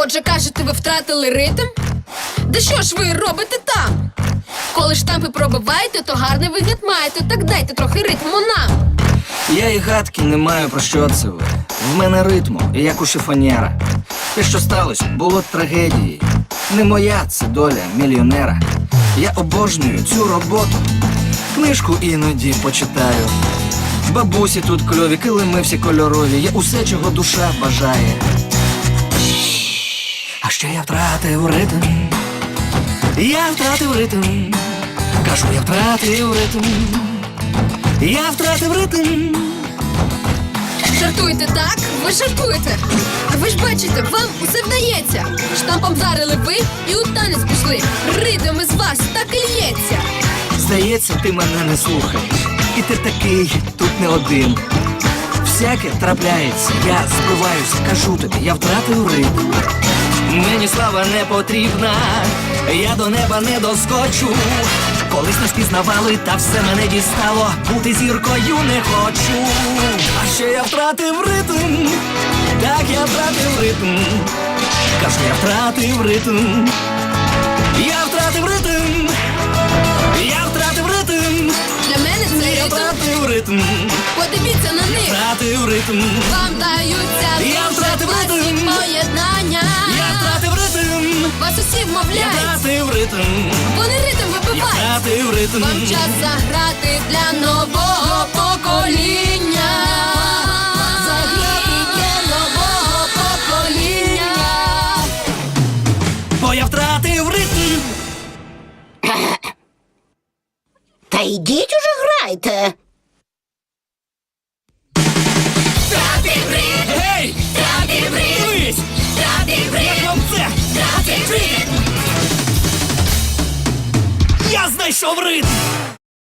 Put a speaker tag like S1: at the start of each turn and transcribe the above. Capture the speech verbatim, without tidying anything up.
S1: Отже, кажете, ви втратили ритм? Да що ж ви робите там? Коли штампи пробиваєте, то гарний вигляд маєте. Так дайте трохи ритму нам.
S2: Я і гадки не маю, про що це ви. В мене ритму, як у шифонєра. Те, що сталося, було трагедією. Не моя це доля мільйонера. Я обожнюю цю роботу. Книжку іноді почитаю. Бабусі тут кльові, килими всі кольорові. Я усе, чого душа бажає. А ще я втратив ритм. Я втратив ритм. Кажу, я втратив ритм. Я втратив ритм.
S1: Жартуєте, так? Ви жартуєте. Ви ж бачите, вам усе вдається. Штампом зарили ви і у танець пішли. Ритм із вас так і лється.
S2: Здається, ти мене не слухаєш. І ти такий тут не один. Всяке трапляється, я збиваюся, кажу тобі, я втратив ритм. Мені слава не потрібна, я до неба не доскочу. Колись не спізнавали, та все мене дістало. Бути зіркою не хочу. А ще я втратив ритм. Так, я втратив ритм. Кажу, я втратив ритм. Я втратив ритм. Я втратив ритм.
S1: Для мене це
S2: Я
S1: ритм.
S2: втратив ритм.
S1: Подивіться на них.
S2: Втратив ритм.
S1: Вам даються
S2: Я
S1: дуже
S2: втратив
S1: класні
S2: ритм.
S1: поєднання.
S2: Я втратив ритм.
S1: Вас усі
S2: Я
S1: вмовляють.
S2: втратив ритм.
S1: Вони ритм
S2: Я
S1: вибивають.
S2: втратив ритм.
S1: Вам час заграти для нового покоління. Заграти для нового покоління.
S2: Бо я втратив ритм.
S3: Та йдіть уже грайте.
S1: Втратив ритм,
S2: Гей!
S1: втратив ритм,
S2: Дивись!
S1: втратив
S2: Як
S1: ритм,
S2: вам це?
S1: втратив ритм.
S2: Я знайшов ритм!